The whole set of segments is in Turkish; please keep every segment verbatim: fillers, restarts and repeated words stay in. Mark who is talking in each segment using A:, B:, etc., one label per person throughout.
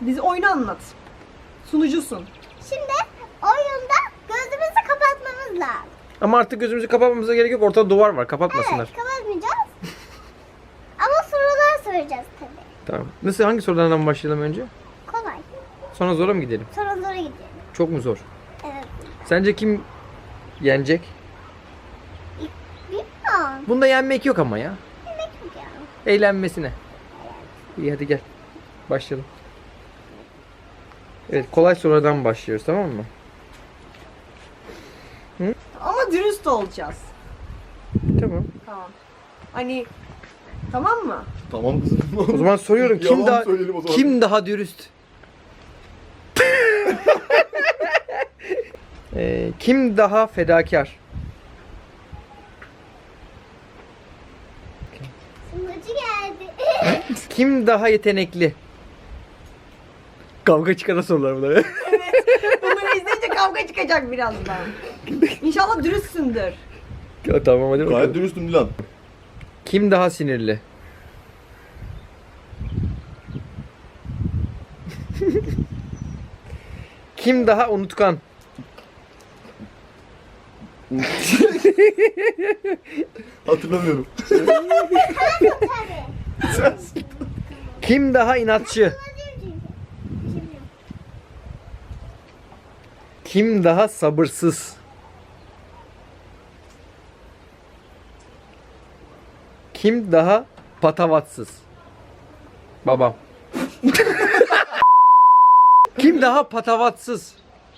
A: Bize oyunu anlat. Sunucusun.
B: Şimdi oyunda gözümüzü kapatmamız lazım.
C: Ama artık gözümüzü kapatmamıza gerek yok. Ortada duvar var. Kapatmasınlar.
B: Evet, kapatmayacağız. Ama sorular soracağız tabii.
C: Tamam. Nasıl, hangi sorulardan başlayalım önce?
B: Kolay.
C: Sonra zora mı gidelim?
B: Sonra zora gidelim.
C: Çok mu zor?
B: Evet.
C: Sence kim yenecek?
B: Bilmiyorum.
C: Bunda yenmek yok ama ya.
B: Yemek yok ya.
C: Eğlenmesine. İyi, hadi gel. Başlayalım. Evet, kolay sorulardan başlıyoruz, tamam mı?
A: Ama dürüst olacağız.
C: Tamam.
A: Tamam. Hani tamam mı?
D: Tamam kızım.
C: O zaman soruyorum, kim
D: Yalan
C: daha
D: söyleyelim o zaman.
C: kim daha dürüst? Ee, kim daha fedakar?
B: Sunucu geldi.
C: Kim daha yetenekli? Kavga çıkaran sorular bunlar.
A: Bunları izleyince kavga çıkacak birazdan. İnşallah dürüstsündür.
C: Tamam, hadi
D: Gayet
C: bakalım.
D: dürüstüm Dilan.
C: Kim daha sinirli? Kim daha unutkan?
D: Hatırlamıyorum.
B: Tabii.
C: Kim daha inatçı? Kim daha sabırsız? Kim daha patavatsız? Babam. Kim daha patavatsız?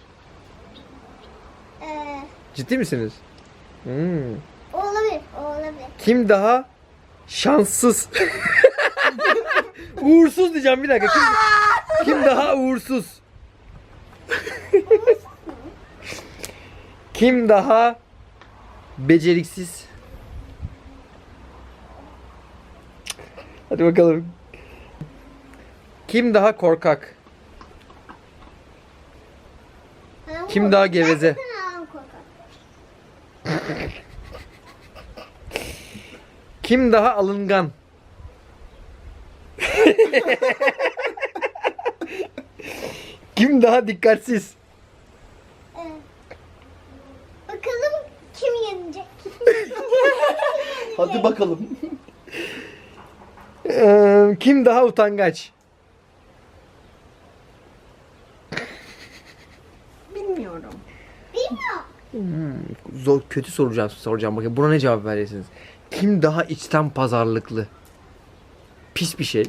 B: Ee,
C: Ciddi misiniz? Hmm.
B: o olabilir, o olabilir.
C: Kim daha şanssız? Uğursuz diyeceğim, bir dakika. Kim, kim daha uğursuz? Kim daha beceriksiz? Hadi bakalım. Kim daha korkak?
B: Ha,
C: Kim
B: o-
C: daha geveze?
B: Gerçekten ağam korkak.
C: Kim daha alıngan? Kim daha dikkatsiz?
B: Ee, bakalım kim yenecek?
D: Hadi bakalım.
C: Ee, kim daha utangaç?
A: Bilmiyorum.
B: Bilmiyorum.
C: Zor, kötü soracağım, soracağım. Bakın buna ne cevap verirsiniz? Kim daha içten pazarlıklı? Pis bir şey.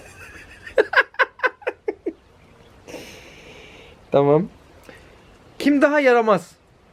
C: Tamam. Kim daha yaramaz?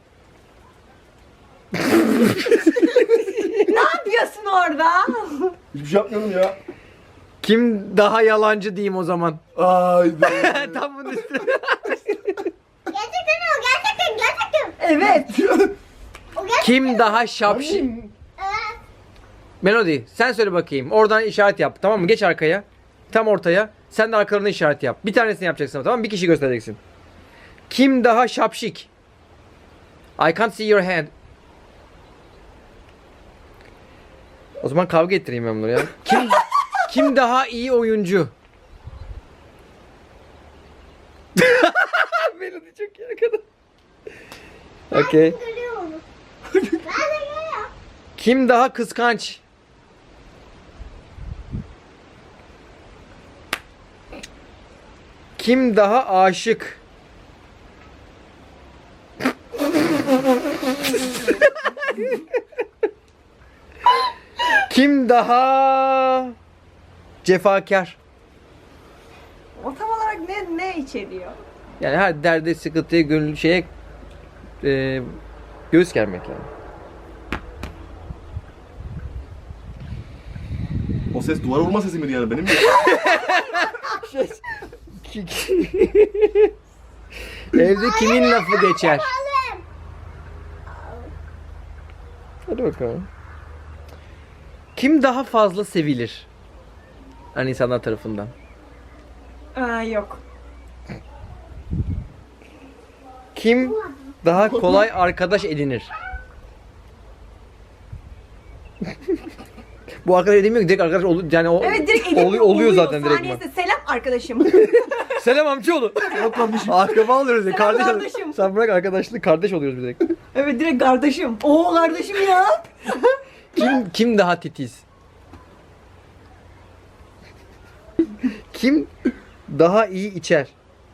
A: Ne yapıyorsun orada?
D: Hiçbir şey yapmıyorum ya.
C: Kim daha yalancı diyeyim o zaman?
D: Haydi.
C: Tam bunun üstüne.
B: Gerçekten o, gerçekten, gerçekten.
A: Evet.
B: O gerçekten.
C: Kim daha şapşi?
B: Evet.
C: Melody, sen söyle bakayım. Oradan işaret yap, tamam mı? Geç arkaya. Tam ortaya. Sen de arkalarına işaret yap. Bir tanesini yapacaksın, tamam mı? Bir kişi göstereceksin. Kim daha şapşik? I can't see your hand. O zaman kavga ettireyim ben bunu ya. Kim kim daha iyi oyuncu? Melody çok iyi kadın. Okay.
B: Görüyor onu. Ben de görüyorum.
C: Kim daha kıskanç? Kim daha aşık? Kim daha cefakar?
A: O tam olarak ne ne içeriyor?
C: Yani her derde, sıkıntıya, gönül şeye e, göğüs germek yani.
D: O ses duvara vurma sesi miydi yani benim mi?
C: Evde kimin lafı geçer?
B: Alem.
C: Hadi bakalım. Kim daha fazla sevilir? Hani insanlar tarafından.
A: Aa, yok.
C: Kim daha kolay arkadaş edinir? Bu arkadaş edinmiyor ki, direkt arkadaş oluyor. Yani o
A: Evet direkt
C: oluyor,
A: edemiyor,
C: oluyor zaten direkt.
A: Saniyesinde selam arkadaşım.
C: Selam amcaoğlu.
D: Yok kardeşim.
C: Akraba oluyoruz ya.
A: Selam
C: Kardeş
A: kardeşim.
C: Sen bırak arkadaşlık, kardeş oluyoruz biz direkt.
A: Evet direkt kardeşim. Oo kardeşim ya.
C: Kim kim daha titiz? Kim daha iyi içer?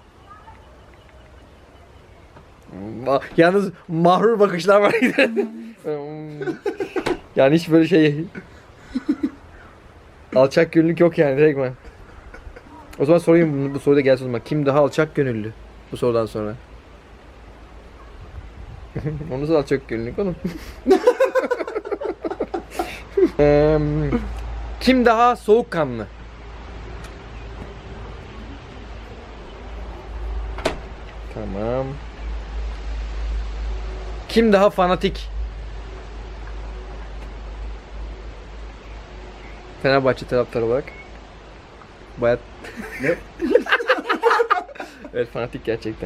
C: Ma- Yalnız mahrur bakışlar var. Yani hiç böyle şey alçak gönüllülük yok yani direkt ben. O zaman sorayım bu, bu soruda gelsin o zaman. Kim daha alçak gönüllü bu sorudan sonra? O nasıl alçak gönüllülük oğlum? Eee, kim daha soğukkanlı? Tamam. Kim daha fanatik? Fenerbahçe taraftarı olarak. Bayat.
D: Ne?
C: Evet fanatik gerçekten.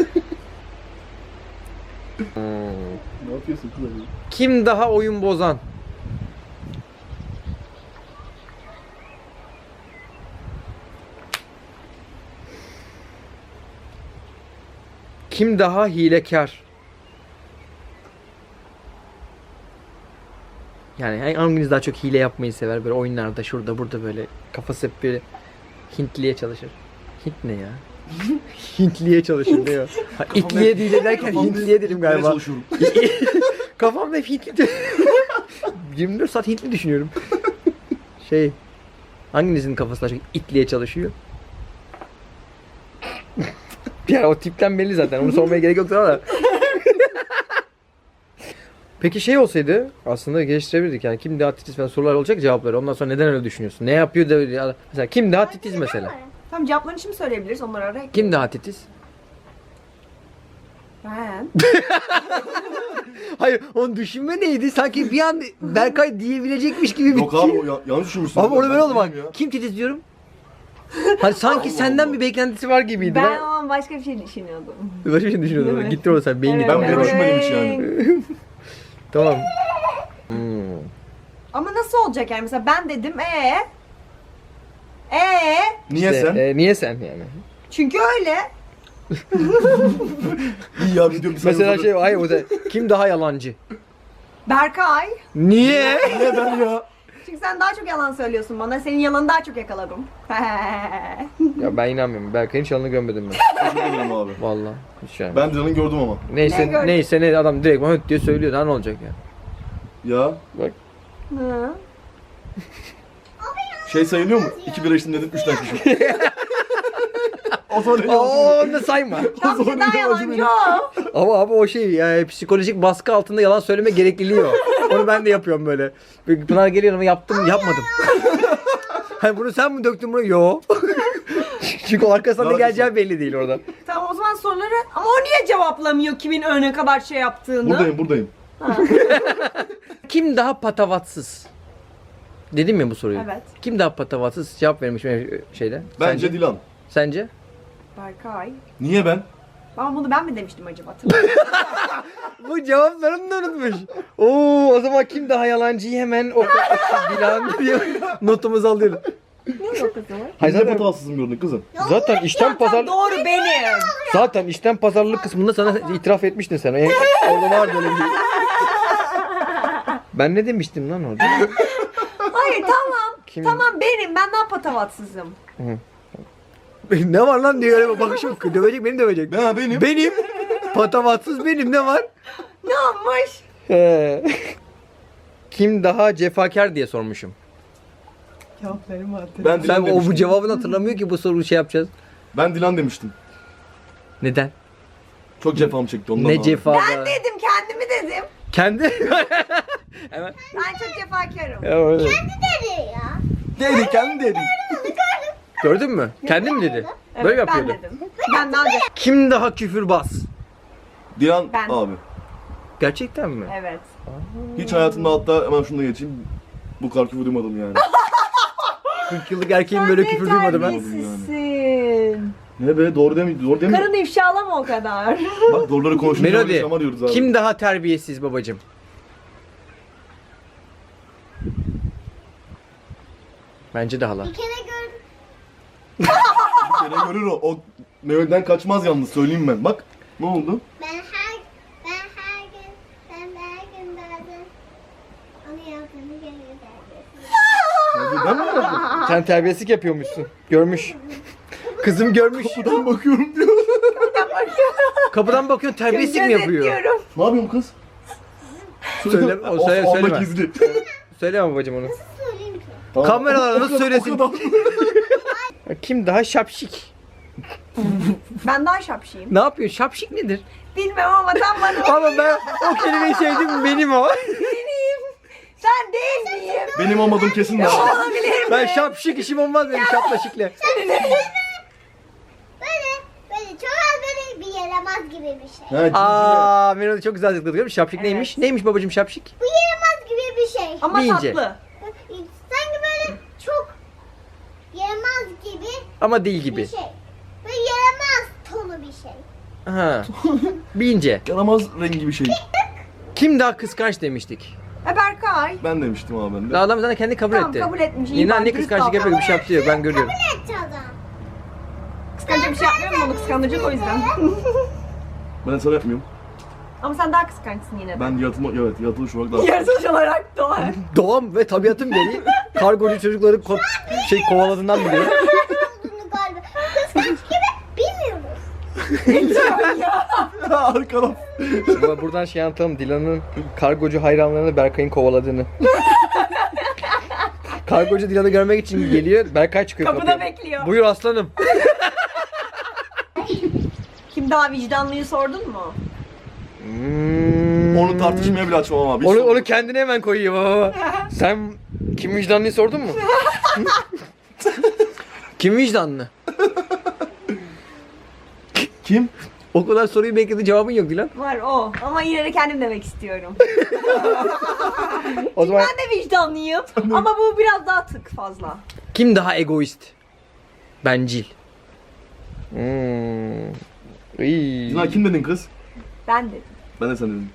C: Hmm.
D: Ne yapıyorsun kızım?
C: Kim daha oyun bozan? Kim daha hilekar? Yani hanginiz daha çok hile yapmayı sever böyle oyunlarda şurada burada böyle kafası hep böyle Hintliye çalışır. Hint ne ya? Hintliye çalışır diyor. Ha, İtliye değil derken Hintliye dedim
D: Nereye
C: galiba.
D: çalışıyorum?
C: Kafamda hep Hintli. yirmi dört saat Hintli düşünüyorum. Şey, hanginizin kafası daha çok itliye çalışıyor? Ya o tipten belli zaten. Onu sormaya gerek yok da. Peki şey olsaydı aslında geliştirebilirdik yani kim daha titiz falan sorular olacak cevapları. Ondan sonra neden öyle düşünüyorsun? Ne yapıyor da ya- mesela kim daha titiz mesela?
A: Tamam cevaplarını şimdi söyleyebiliriz. Onları araya.
C: Kim daha titiz?
A: Ben.
C: Hayır, onun düşünme neydi? Sanki bir an Berkay diyebilecekmiş gibi bir
D: Yok abi o ya- yanlış düşünmüşsün.
C: Ama orada
D: Ben
C: böyle oldu bak.
D: değilim ya.
C: Kim titiz diyorum? Hani sanki
D: Allah
C: senden
D: Allah.
C: bir beklentisi var gibiydi.
A: Ben
C: Ben,
A: o an başka bir şey düşünüyordum.
C: başka bir şey düşünüyordum.
A: Evet.
C: Gitti orada sen beyni.
A: Evet,
D: Ben bile
A: evet.
D: düşünmedim hiç yani.
C: Tamam. Hmm.
A: Ama nasıl olacak yani? Mesela ben dedim ee? Ee?
D: Niye
C: İşte,
D: sen?
C: e, niye sen yani?
A: Çünkü öyle.
D: İyi ya video bir saniye
C: Mesela
D: uzadı.
C: şey hayır o da kim daha yalancı?
A: Berkay.
C: Niye?
D: Niye ben ya?
A: Çünkü sen daha çok yalan söylüyorsun bana. Senin yalanı daha çok yakaladım.
C: Ya ben inanmıyorum. Berkay'ın çalını görmedim ben.
D: Teşekkür ederim abi.
C: Vallahi. Hiç yani.
D: Ben Dilan'ı gördüm ama.
C: Neyse
A: Ne gördün?
C: neyse ne adam direkt bana höt diye söylüyor. Daha ne olacak ya?
D: Ya
C: Bak.
A: Hı.
D: şey sayılıyor mu? İki bira içtim dedim, üç tane içmişim. O zaman ne
C: Oo
D: yapayım?
C: onu da sayma.
A: Tam bir daha yalancı o.
C: Ama abi o şey yani psikolojik baskı altında yalan söyleme gerekliliği o. Onu ben de yapıyorum böyle. Böyle Pınar geliyor ama yaptım yapmadım. Hani bunu sen mi döktün bunu? Yo. Çünkü o arkasında ne
D: Daha
C: geleceği belli değil orada.
A: Tamam o zaman soruları... Ama o niye cevaplamıyor kimin öne kadar şey yaptığını?
D: Buradayım buradayım.
C: Kim daha patavatsız? Dedim ya bu soruyu.
A: Evet.
C: Kim daha patavatsız? Cevap vermiş benim şeyde.
D: Bence
C: Sence?
D: Dilan.
C: Sence?
A: Berkay.
D: Niye ben?
A: Ben bunu ben mi demiştim acaba? Hatırlamıyorum.
C: Bu cevaplarını da unutmuş. Oo, o zaman kim daha yalancıyı hemen o Dilan diye notumuzu alıyoruz.
A: Ne alakası var?
C: Hayır,
D: Biz de
C: zaten,
D: patavatsızım gördün kızım.
C: zaten işten pazar
A: Doğru benim.
C: zaten işten pazarlık kısmında sana itiraf etmiştin sen. Yani orada var böyle bir. Ben ne demiştim lan orada?
A: Hayır tamam.
C: Kim?
A: Tamam benim. Ben daha patavatsızım.
C: Ne var lan diye öyle bakışım. Dövecek beni dövecek.
D: Ben benim.
C: Benim patavatsız benim ne var?
A: Ne yapmış?
C: He. Kim daha cefakar diye sormuşum.
A: Cevaplarımı hatırlıyorum.
D: Ben Dilan
C: Sen o
D: demiştim.
C: bu cevabını hatırlamıyor ki bu soruyu şey yapacağız.
D: Ben Dilan demiştim.
C: Neden?
D: Çok cefam çekti ondan.
C: Ne
D: abi.
C: cefa?
A: Ben dedim kendimi dedim.
C: Kendi.
A: Ben çok cefakarım.
C: Ya öyle.
B: Dedi ya.
D: Dedi kendi dedi.
C: Gördün mü? Kendi mi dedi?
A: Evet,
C: Böyle
A: ben
C: yapıyordu.
A: dedim. Ben daha önce.
C: Kim daha küfürbaz?
D: Dilan
A: Ben.
D: abi.
C: Gerçekten mi?
A: Evet.
D: Hiç hayatımda hatta hemen şunu da geçeyim. Bu kadar küfür duymadım yani.
C: kırk yıllık erkeğin böyle küfür duymadı ben.
A: Terbiyesizsin.
D: Ne be doğru değil mi? Doğru değil mi?
A: Karını ifşalama o kadar.
D: Bak doğruları konuşunca
C: Melody.
D: yaşama diyoruz abi.
C: Kim daha terbiyesiz babacım? Bence de hala.
B: Bir kere gördüm.
D: Bir Seni görür o. O Mehmet'ten kaçmaz yalnız söyleyeyim ben. Bak ne oldu?
B: Ben her ben her gün ben her gün bazen onu yaptığımı görüyorum.
D: Hadi ben mi yaptım?
C: Sen terbiyesizlik yapıyormuşsun. Görmüş. Kızım görmüş.
D: Kapıdan bakıyorum diyor.
C: Kapıdan bakıyorsun terbiyesizlik mi yapıyor?
A: Gözetliyorum.
D: Ne yapıyorsun kız?
C: Söyle, o söyle,
D: Of, Allah
C: söyleme.
D: gizli.
C: Söyleme babacım onu.
B: Söyleyeyim ki.
D: Tamam.
C: Kameralara
D: O
C: nasıl
D: kadar-
C: söylesin?
D: o kadar-
C: Kim daha şapşik?
A: Ben daha şapşiyim.
C: Ne yapıyor? Şapşik nedir?
A: Bilmem ama tam bana
C: Ama ben o kelimeyi sevdim, benim o.
A: benim. Sen değil miyim?
D: Benim olmadığım kesin de.
A: Olabilir mi?
C: Ben şapşik işim olmaz benim şaplaşıkla.
B: Böyle böyle çok az böyle bir yaramaz gibi bir şey.
D: Ha, cinciler.
C: Aa, Melody çok güzel açıkladı. Görüyor musun? Şapşik
A: Evet.
C: neymiş? Neymiş babacım şapşik?
B: Bu yaramaz gibi bir şey.
A: Ama
C: Deyince.
A: tatlı.
B: Sanki böyle çok yaramaz gibi
C: Ama değil
B: bir
C: gibi.
B: şey. Böyle yaramaz tonu bir şey.
C: Ha. Bince.
D: Yaramaz rengi bir şey.
C: Kim daha kıskanç demiştik?
A: E Berkay.
D: Ben demiştim abi ben de.
C: Ya adam zaten kendi kabul
A: Tamam,
C: etti.
A: kabul etmiş. İyi
C: Yine
A: bari,
C: ne
A: dürüst
C: kıskançlık
A: davran.
C: yapıyor, bir şey yaptı yok, ben görüyorum.
B: Kabul etti adam.
A: Kıskanacak bir şey yapmıyorum onu kıskandıracak o yüzden.
D: Ben sana yapmıyorum.
A: Ama sen daha kıskançsın yine de.
D: Ben yaratılma, evet yaratılış olarak daha...
A: Yaratılış olarak doğar.
C: Doğum ve tabiatın gereği kargocu çocukları ko- şey kovaladığından biliyorum.
B: Olduğunu galiba. Kıskanç gibi bilmiyoruz.
D: Arkadan.
C: Ama buradan şey anlatalım, Dilan'ın kargocu hayranlarını Berkay'ın kovaladığını. Kargocu Dilan'ı görmek için geliyor, Berkay çıkıyor
A: Kapıda
C: kapıya.
A: bekliyor.
C: Buyur aslanım.
A: Kim daha vicdanlıyı sordun mu?
C: Hmm.
D: Onu tartışmaya bile açmam abi. Hiç
C: Onu,
D: sorun
C: onu
D: yok.
C: kendine hemen koyuyor baba. Sen kim vicdanlıyı sordun mu? Kim vicdanlı?
D: Kim?
C: O kadar soruyu bekledi, cevabın yok Dilan.
A: Var o. Ama yine de kendim demek istiyorum.
C: O zaman
A: Ben de vicdanlıyım. Ama bu biraz daha tık fazla.
C: kim daha egoist? Bencil. Hmm. İyi.
D: Dilan kim dedin kız?
A: Ben dedim.
D: Ben de sen dedim.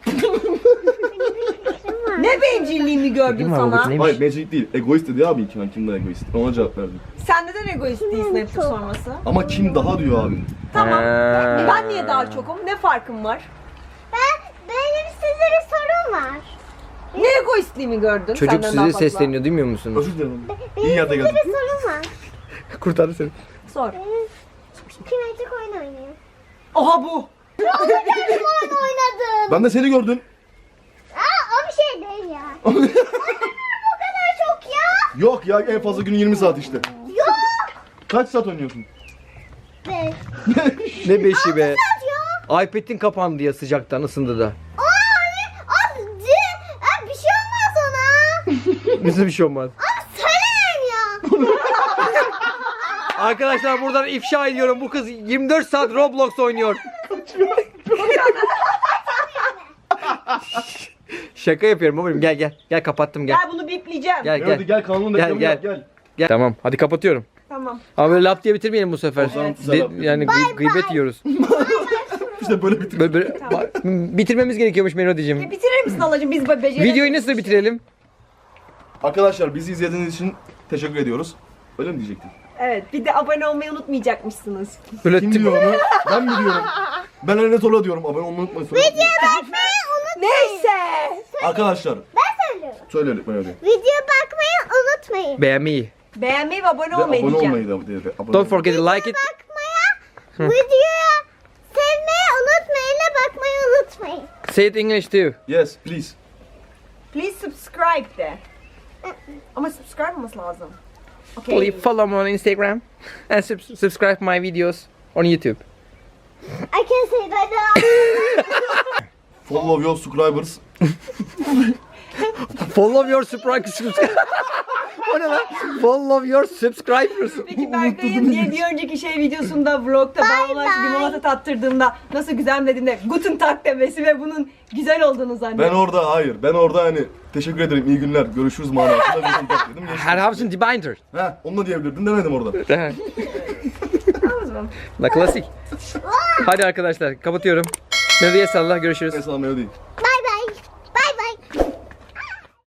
A: Ne bencilliğimi gördüm
C: Dedim mi
A: sana.
C: babacığım, neymiş?
D: Hayır magic değil. Egoist dedi abi ilk ben kim daha egoist. Ona cevap verdim.
A: Sen neden egoist değilsin hep bu sorması?
D: Ama kim daha diyor abi.
A: Tamam.
C: Ha.
A: Ben niye daha çokum? Ne farkım var?
B: Ben benim size bir sorum var.
A: Ne egoistliğimi gördün?
C: Çocuk
A: senden daha
C: sizi
A: fazla?
C: sesleniyor, duymuyor musunuz?
D: Özür dilerim. İyi
B: Benim
D: yerde
B: size
D: geldin.
B: bir sorum var.
C: Kurtardı seni.
A: Sor.
B: Kinetik oyun oynuyor.
A: Oha bu.
B: Kendim oyun oynadım.
D: Ben de seni gördüm.
B: Aa, o bir şey değil ya. Bu kadar çok ya.
D: Yok ya en fazla günün yirmi saat işte.
B: Yok.
D: Kaç saat oynuyorsun?
B: Be.
C: Ne beşi be.
B: Ya.
C: iPad'in kapandı ya sıcaktan, ısındı da.
B: Aa, hani, az Aa, bir şey olmaz ona.
C: Nasıl bir şey olmaz.
B: Aa, söyleyin ya.
C: Arkadaşlar buradan ifşa ediyorum, bu kız yirmi dört saat Roblox oynuyor. Şaka yapıyorum babacığım, gel gel. Gel kapattım, gel.
A: Gel bunu bipleyeceğim.
C: Gel
D: Gel,
C: gel.
D: hadi gel kanalın
C: Gel,
D: reklamı
C: gel.
D: yap gel.
C: Gel. Tamam hadi kapatıyorum.
A: Tamam.
C: Ama böyle lap diye bitirmeyelim bu sefer.
D: Evet.
C: De- yani gıy- gıybet yiyoruz.
D: İşte böyle bitir.
C: Böyle, böyle Ba- bitirmemiz gerekiyormuş Melodiciğim.
A: E, bitirir misin halacığım? Biz be- beceremeyiz.
C: Videoyu nasıl bitirelim?
D: Arkadaşlar bizi izlediğiniz için teşekkür ediyoruz. Öyle mi diyecektin?
A: Evet. Bir de abone olmayı unutmayacakmışsınız.
C: Böyle
D: Kim
C: tip-
D: diyor onu? Ben mi diyorum? Ben öyle Tola diyorum. Abone olmayı unutmayın. Sonra-
B: Bakmayı unutmayın.
A: Neyse.
D: Arkadaşlar
B: Ben söylüyorum.
D: söyle lütfen öyle.
B: Video bakmayı unutmayın.
C: beğenmeyi.
A: Beğenmeyi ve abone
D: Ve
A: olmayı
D: abone
A: diyeceğim.
D: olmayı da dedi. Abone
C: Don't
D: olmayı.
C: forget to like it.
B: Bakmaya, videoya sevmeyi unutmayın ve bakmayı unutmayın.
C: Say it English too.
D: Yes please.
A: Please subscribe de. Ama subscribe olması lazım. Okay.
C: Please follow me on Instagram and sub- subscribe my videos on YouTube.
B: I can say that now.
D: Follow your subscribers.
C: Follow your subscribers. O ne lan? Follow your subscribers.
A: Peki Berkay'ın diye bir önceki şey videosunda vlogta ben ona
B: bye.
A: limonata tattırdığımda nasıl güzel mi dediğinde Guten Tag demesi ve bunun güzel olduğunu
D: Ben
A: zannediyorum.
D: orada hayır. Ben orada hani teşekkür ederim iyi günler görüşürüz manasında bir kontak dedim. Geçtim.
C: Her hafızın Binder.
D: He onu da diyebilirdin demedim orada.
A: Tamam.
C: La klasik. Hadi arkadaşlar kapatıyorum. Melodiye salla, görüşürüz.
D: Mesela melodi.
B: Bye